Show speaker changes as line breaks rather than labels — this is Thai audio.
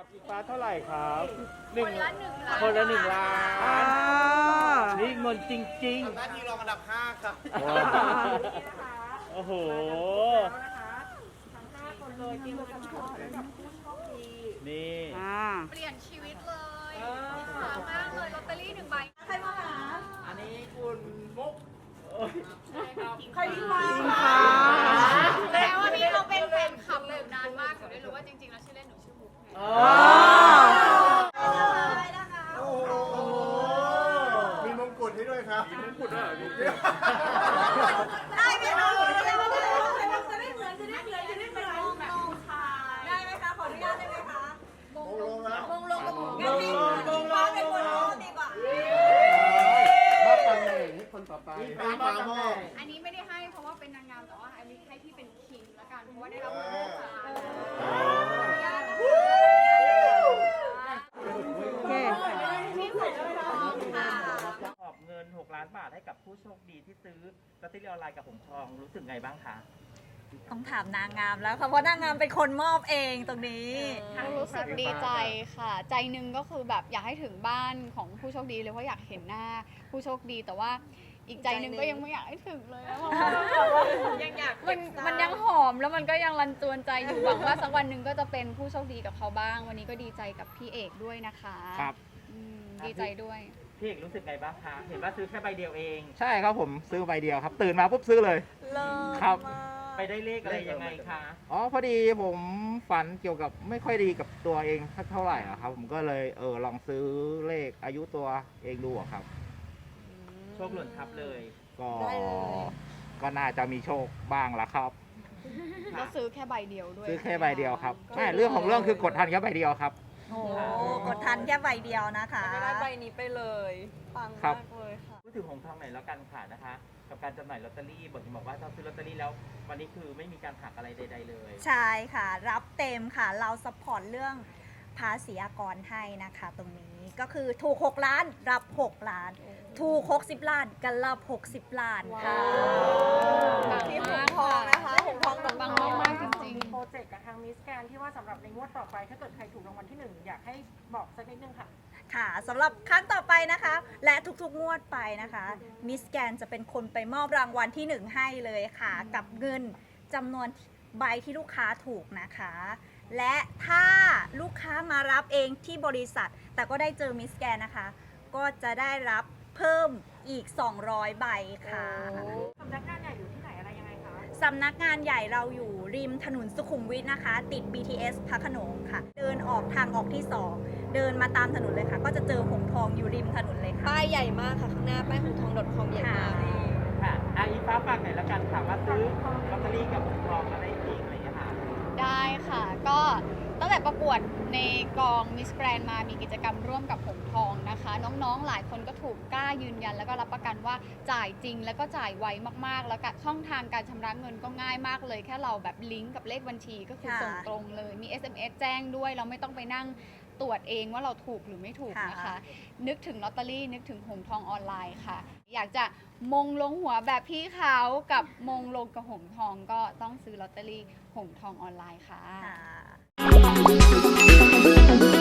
ฟ้าเท่าไหร่ครับ
คนละ1 ล้าน
คนละ1 ล้านนี่เงินจริง
หน้าที่รองอันดับ5ครับ
ๆ โอ้โห นี่
เปลี่ยนชีวิตเลยหามากเลยลอตเตอรี่1 ใบใครมาหา
อันนี้คุณมุก
ใครที่มาแสดงว่าพี่เขาเป็นแฟนคลับอยู่นานมากหนูได้รู้ว่าจริงๆแล้วชื่อเล่นหนูชื่อมุกไง
โอ้โหมีมงกุฎให้ด้วยครับ มีมงกุฎด้วย
ได้ไหมคะจะได้เหมือนได้ไหมคะขออนุญาตได้ไหมคะ
มงลงแล้ว
มงลงกับมงงั้นให้ฟ้าเป็นคนร้องดีกว่า
มอบตำแหน่งให้คนต่อไปฟ้ามอบ
อันนี้ไม่ได้ให้เพราะว่าเป็นนางงามแต่ว่าอันนี้ให้พี่เป็นคิงละกันเพราะว่าได้รับเงินจากศาล
ขอบเงิน6 ล้านบาทให้กับผู้โชคดีที่ซื้อลอตเตอรี่ออนไลน์กับหงทองรู้สึกไงบ้างคะ
ต้องถามนางงามแล้วค่ะเพราะนางงามเป็นคนมอบเองตรงนี้
รู้สึกดีใจค่ะ ใจหนึงก็คือแบบอยากให้ถึงบ้านของผู้โชคดีเลยเพราะอยากเห็นหน้าผู้โชคดีแต่ว่าอีกใจหนึงก็ยังไม่อยากให้ถึงเลยเพราะว่ายังอยากมันยังหอมแล้วมันก็ยังรันจวนใจอยู่หวังว่าสักวันหนึ่งก็จะเป็นผู้โชคดีกับเขาบ้าง วันนี้ก็ดีใจกับพี่เอกด้วยนะคะ
ครับ
ดีใจด้วย
พี่เอกรู้สึกไงบ้างคะ เห็นว่าซื้อแค่ใบเดียวเอง
ใช่ครับผมซื้อใบเดียวครับ ตื่นมาปุ๊บซื้อเลย ครับ
ไปได้เลขอะไรยังไงคะ
อ๋อพอดีผมฝันเกี่ยวกับไม่ค่อยดีกับตัวเองสักเท่าไหร่อะครับ ผมก็เลยลองซื้อเลขอายุตัวเองดูอะครับ
โชคหล่นทับเลย
ก็น่าจะมีโชคบ้างละครับ
ก็ซื้อแค่ใบเดียวด้วย
ซื้อแค่ใบเดียวครับใช่เรื่องของเรื่องคือกดทันแค่ใบเดียวครับ
โอ้กดทันแค่ใบเดียวนะคะ
ได้ใบนี้ไปเลยปัง
ครั
มา
บ
กเลยค่ะ
พูดถึงหงทองหน่อยแล้วกันค่ะนะคะ กับการจำหน่ายลอตเตอรี่บอกว่าถ้าซื้อลอตเตอรี่แล้ววันนี้คือไม่มีการหักอะไรใดๆเลย
ใช่ค่ะ รับเต็มค่ะ เราซัพพอร์ตเรื่องภาษีอากรให้นะคะ ตรงนี้ก็คือถูก6 ล้านรับ 6 ล้าน ถูก60 ล้านกันรับ60 ล้านค่ะ
ปัง
ที่ห
มาง ก
ทองนะคะ
หงทองปังมากๆจริง
โปรเจกต์กับทางมิสแกนที่ว่าสำหรับในงวดต่อไปถ้าเกิดใครถูกรางวัลที่ 1 อยากให้บอกสักนิดนึงค่ะ
ค่ะสำหรับครั้งต่อไปนะคะ และทุกๆงวดไปนะคะมิสแกนจะเป็นคนไปมอบรางวัลที่ 1 ให้เลยค่ะ กับเงินจำนวนใบที่ลูกค้าถูกนะคะ และถ้าลูกค้ามารับเองที่บริษัท แต่ก็ได้เจอมิสแกนนะคะ ก็จะได้รับเพิ่มอีก 200 ใบค่ะ
สำนักงานใหญ่อยู่ที่ไหนอะไรยังไงคะ
สำนักงานใหญ่เราอยู่ริมถนนสุขุมวิทนะคะ ติด BTS พระโขนงค่ะ เดินออกทางออกที่ 2 เดินมาตามถนนเลยค่ะ ก็จะเจอหงทองอยู่ริมถนนเลยค่ะ
ป้ายใหญ่มากค่ะ ข้างหน้าป้ายหงทอง .com ใหญ่มาก
ค่ะอีฟ้าฝากหน่อยแล้วกันค่ะว่าซื้อลอตเตอรี่กับหงทองอะไรอีกอะไรอย่างเงี้ยค่ะ
ๆ ได้ค่ะ ก็ตั้งแต่ประกวดในกองมิสแกรนมามีกิจกรรมร่วมกับหงทองนะคะ น้องๆหลายคนก็ถูกกล้ายืนยัน แล้วก็รับประกันว่าจ่ายจริงแล้วก็จ่ายไวมากๆ แล้วก็ช่องทางการชำระเงินก็ง่ายมากเลย แค่เราแบบลิงก์กับเลขบัญชีก็คือ
ค่ะ
ส่งตรงเลย มี SMS แจ้งด้วยเราไม่ต้องไปนั่งตรวจเองว่าเราถูกหรือไม่ถูกนะคะ
ค่ะ
นึกถึงลอตเตอรี่นึกถึงหงทองออนไลน์ค่ะ อยากจะมงลงหัวแบบพี่เขากับมงลงกับหงทองก็ต้องซื้อลอตเตอรี่หงทองออนไลน์ค่ะ
ค่ะ